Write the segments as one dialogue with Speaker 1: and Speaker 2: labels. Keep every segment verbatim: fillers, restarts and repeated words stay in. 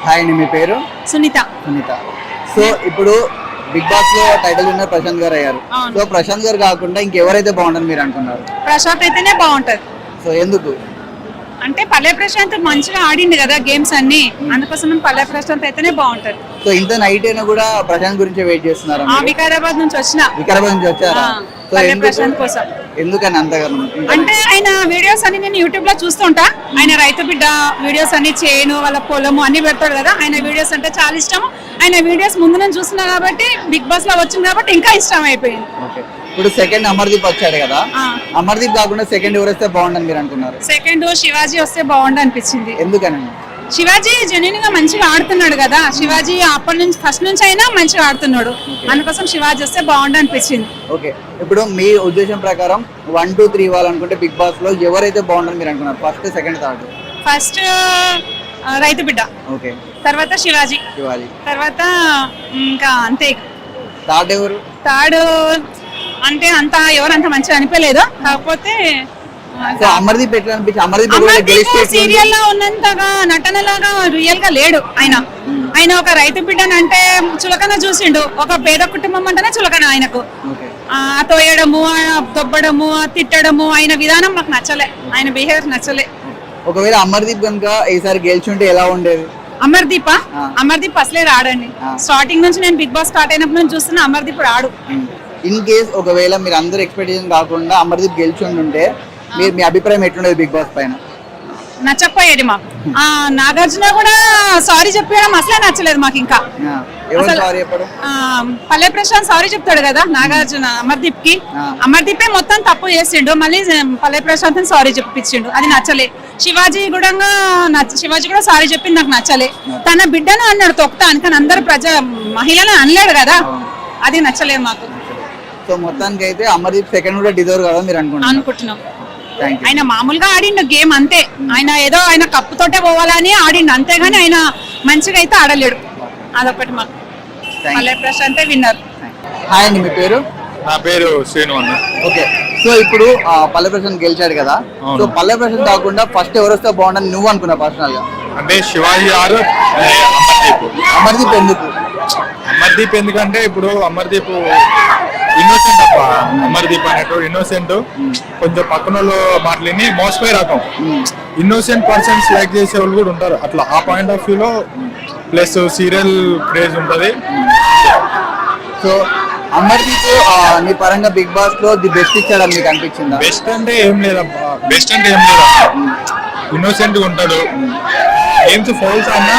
Speaker 1: Hi అండి, మీ పేరు?
Speaker 2: సునీత.
Speaker 1: సునీత. సో ఇప్పుడు బిగ్ బాస్ లో టైటిల్ విన్నర్ ప్రశాంత్ గారు అయ్యారు. సో ప్రశాంత్ గారు కాకుండా ఇంకెవరైతే బాగుంటుంది మీరు అనుకున్నారు?
Speaker 2: ప్రశాంత్ అయితేనే బాగుంటది.
Speaker 1: సో ఎందుకు?
Speaker 2: అంటే పల్లె ప్రశాంత్ మంచిగా ఆడింది కదా గేమ్స్ అన్ని, అందుకోసం పల్లె ప్రశాంత్ అయితేనే బాగుంటది.
Speaker 1: సో ఇంత నైట్ అయినా కూడా ప్రశాంత్ గురించి వెయిట్ చేస్తున్నారు?
Speaker 2: వికారాబాద్ నుంచి వచ్చిన.
Speaker 1: వికారాబాద్ నుంచి వచ్చారా?
Speaker 2: పల్లె ప్రశాంత్ కోసం.
Speaker 1: ఎందుకని అంతగానో?
Speaker 2: అంటే ఆయన వీడియోస్ అన్ని నేను యూట్యూబ్ లో చూస్తుంటా. ఆయన రైతు బిడ్డ వీడియోస్ అన్ని, చేను వాళ్ళ పొలము అన్ని పెడతాడు కదా. ఆయన వీడియోస్ అంటే చాలా ఇష్టం. ఆయన వీడియోస్ ముందు నేను చూస్తున్నా కాబట్టి, బిగ్ బాస్ లో వచ్చింది కాబట్టి ఇంకా ఇష్టం అయిపోయింది.
Speaker 1: ఇప్పుడు సెకండ్ అమర్దీప్ వచ్చాడు కదా, అమర్దీప్ కాకుండా సెకండ్ ఎవరు వస్తే బాగుండని మీరు అనుకున్నారు?
Speaker 2: సెకండ్ శివాజీ వస్తే బాగుండు అనిపించింది.
Speaker 1: ఎందుకని?
Speaker 2: శివాజీ జెన్యున్ గా మంచిగా ఆడుతున్నాడు కదా. శివాజీ అప్పటి నుంచి ఫస్ట్ నుంచి అయినా మంచిగా ఆడుతున్నాడు, అందుకోసం శివాజీ వస్తే బాగుండు అనిపించింది.
Speaker 1: ఓకే, ఇప్పుడు మీ ఉద్దేశం ప్రకారం వన్ టూ త్రీ ఇవ్వాలనుకుంటే బిగ్ బాస్ లో ఎవరైతే బాగుండని మీరు అనుకున్నారు? First, second, third?
Speaker 2: ఫస్ట్ రైతు బిడ్డ,
Speaker 1: ఓకే,
Speaker 2: తర్వాత శివాజీ,
Speaker 1: శివాజీ
Speaker 2: తర్వాత ఇంకా అంతే.
Speaker 1: థర్డ్ ఎవరు?
Speaker 2: థర్డ్ అంటే అంత ఎవరంత మంచిగా అనిపించలేదు. కాకపోతే
Speaker 1: అమర్దీప్ ఎట్లా అనిపించి?
Speaker 2: అమర్దీప్ సీరియల్ లో ఉన్నంతగా నటనలాగా రియల్ గా లేడు ఆయన. ఆయన ఒక రైతు బిడ్డను అంటే చులకన చూసిండు. ఒక పేద కుటుంబం అంటేనే చులకన ఆయనకు. తోయడము, దొబ్బడము, తిట్టడము, ఆయన విధానం నాకు నచ్చలే. ఆయన బిహేవియర్ నచ్చలే.
Speaker 1: ఒకవేళ అమర్దీప్ కనుక ఈసారి గెలిచుంటే ఎలా ఉండేది?
Speaker 2: అమర్దీప్ అమర్దీప్ అసలే రాడండి. స్టార్టింగ్ నుంచి నేను బిగ్ బాస్ స్టార్ట్ అయినప్పుడు నుంచి చూస్తున్నా, అమర్దీప్ రాడు.
Speaker 1: ఇన్ కేస్ ఒకవేళ మీరు అందరు ఎక్స్పెక్టేషన్ కాకుండా అమర్దీప్ గెలిచుంటే మీరు మీ అభిప్రాయం ఎట్లుండేది బిగ్ బాస్ పైన?
Speaker 2: నచ్చకపోయేది మాకు. నాగార్జున కూడా సారీ చెప్పడం అసలే నచ్చలేదు మాకు. ఇంకా పల్లె ప్రశాంత్ సారీ చెప్తాడు కదా నాగార్జున అమర్దీప్ కి. అమర్దీపే మొత్తం తప్పు చేసిండు, మళ్ళీ పల్లె ప్రశాంత్ సారీ చెప్పించిండు, అది నచ్చలే. శివాజీ కూడా శివాజీ కూడా సారీ చెప్పింది, నాకు నచ్చలే. తన బిడ్డను అన్నాడు తొక్తా అని, కానీ అందరు ప్రజా మహిళను అనలేడు కదా, అది నచ్చలేదు మాకు.
Speaker 1: సో మొత్తానికి అయితే అమర్దీప్ సెకండ్ కూడా డిజర్వ్ కదా మీరు అనుకుంటున్నారు?
Speaker 2: అనుకుంటున్నాం. ఆయన మామూలుగా ఆడిండు గేమ్ అంతే. ఆయన ఏదో ఆయన కప్పుతోటే పోవాలని ఆడిండు అంతేగాని ఆయన మంచిగా అయితే ఆడలేడు. అదొకటి మాకు. పల్లె ప్రశాంత్ విన్నర్.
Speaker 1: హాయ్ అండి, మీ పేరు?
Speaker 3: నా పేరు శ్రీను అన్న.
Speaker 1: ఓకే, సో ఇప్పుడు పల్లె ప్రశాంత్ గెలిచాడు కదా, సో పల్లె ప్రశాంత్ కాకుండా ఫస్ట్ ఎవరు వస్తే బాగుండని నువ్వు అనుకున్నా పర్సనల్ గా?
Speaker 3: అంటే శివాజీ గారు, అమర్దీప్.
Speaker 1: అమర్దీప్ ఎందుకు?
Speaker 3: అమర్దీప్ ఎందుకంటే ఇప్పుడు అమర్దీప్ ఇన్నోసెంట్ అప్ప. అమర్దీప్ అనేటోడు ఇన్నోసెంట్. కొంచెం పక్కన వాళ్ళు మాటలని మోసపోయే రకం. ఇన్నోసెంట్ పర్సన్స్ లైక్ చేసే వాళ్ళు కూడా ఉంటారు అట్లా. ఆ పాయింట్ ఆఫ్ వ్యూలో ప్లస్ సీరియల్ క్రేజ్ ఉంటుంది.
Speaker 1: సో అమర్దీప్ నీ పరంగా బిగ్ బాస్ లో ది బెస్ట్ ఇచ్చాడని మీకు అనిపించిందా?
Speaker 3: బెస్ట్ అంటే ఏం లేదబ్బా, బెస్ట్ అంటే ఏం లేదా, ఇన్నోసెంట్ గా ఉంటాడు. గేమ్స్ ఫౌల్స్ అన్నా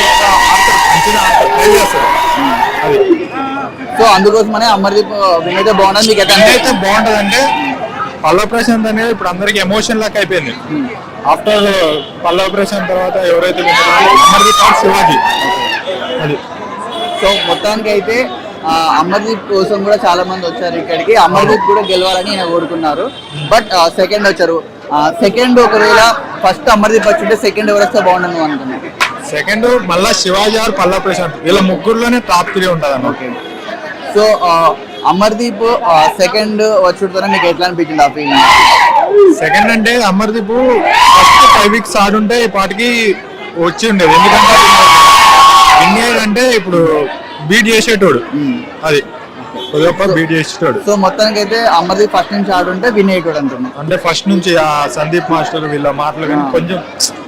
Speaker 3: అది.
Speaker 1: సో అందుకోసమనే అమర్దీప్ వినైతే బాగుంటుంది మీకు?
Speaker 3: అయితే బాగుంటది అంటే పల్లవ ప్రశాంత్ అనేది ఇప్పుడు అందరికి ఎమోషన్ లాక్ అయిపోయింది. ఆఫ్టర్ పల్లవ ప్రశాంత్ తర్వాత ఎవరైతే అమర్దీప్ ఆర్ శివాజీ అది.
Speaker 1: సో మొత్తానికి అయితే అమర్దీప్ కోసం కూడా చాలా మంది వచ్చారు ఇక్కడికి. అమర్దీప్ కూడా గెలవాలని ఆయన కోరుకున్నారు, బట్ సెకండ్ వచ్చారు. సెకండ్ ఒకవేళ ఫస్ట్ అమర్దీప్ వచ్చింటే సెకండ్ ఎవరు వస్తే బాగుండదు నువ్వు అనుకున్నాను?
Speaker 3: సెకండ్ మళ్ళా శివాజీ ఆర్ పల్లవ ప్రశాంత్, వీళ్ళ ముగ్గురులోనే టాప్ త్రీ ఉంటుంది అన్న.
Speaker 1: ఓకే, సో అమర్దీప్ సెకండ్ వచ్చుడుతోనే మీకు ఎట్లా అనిపించింది ఆ ఫీలింగ్?
Speaker 3: సెకండ్ అంటే అమర్దీప్ ఫస్ట్ ఫైవ్ వీక్స్ ఆడుంటే ఈ పాటికి వచ్చి ఉండేది. ఎందుకంటే విన్ అంటే ఇప్పుడు బీట్ చేసేటోడు అది, బీట్ చేసేటోడు.
Speaker 1: సో మొత్తానికి అయితే అమర్దీప్ ఫస్ట్ నుంచి ఆడుంటే విన్ అయ్యేటోడు అంటున్నాను.
Speaker 3: అంటే ఫస్ట్ నుంచి ఆ సందీప్ మాస్టర్ వీళ్ళ మాటలు కానీ కొంచెం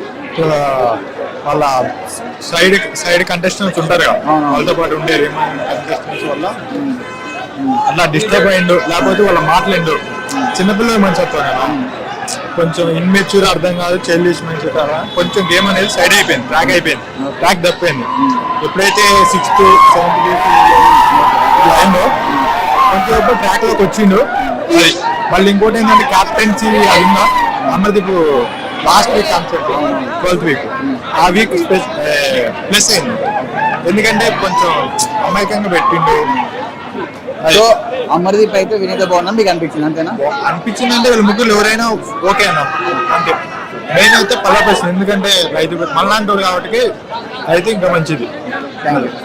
Speaker 3: వాళ్ళ సైడ్ సైడ్ కంటెస్టెంట్స్ ఉంటారు కదా, వాళ్ళతో పాటు ఉండే కంటెస్టెంట్స్ వల్ల అట్లా డిస్టర్బ్ అయ్యిండు. లేకపోతే వాళ్ళ మాటలేండు. చిన్నపిల్లలు మంచి వస్తారు కదా, కొంచెం ఇన్మెచ్యూర్ అర్థం కాదు, చైల్డిష్ మంచి కొంచెం గేమ్ అనేది సైడ్ అయిపోయింది, ట్రాక్ అయిపోయింది, ట్రాక్ తప్పిపోయింది. ఎప్పుడైతే సిక్స్త్ సెవెంత్ అయిందో కొంచెం ఎప్పుడు ట్రాక్ లోకి వచ్చిండు అది. మళ్ళీ ఇంకోటి ఏంటంటే క్యాప్టెన్సీ అది ఉందా Amardeep last week concept twelfth week, ఆ వీక్ ప్లస్ అయింది. ఎందుకంటే కొంచెం అమాయకంగా పెట్టిండు.
Speaker 1: సో అమర్దీప్ అయితే వినేత బాగున్నా మీకు అనిపించింది అంతేనా?
Speaker 3: అనిపించింది అంటే వీళ్ళు ముగ్గురు ఎవరైనా ఓకే అన్న. అంటే మెయిన్ అయితే పల్లవ ప్రశాంత్, ఎందుకంటే రైతు మళ్ళాంటోడు కాబట్టి అయితే ఇంకా మంచిది.
Speaker 1: Thank you.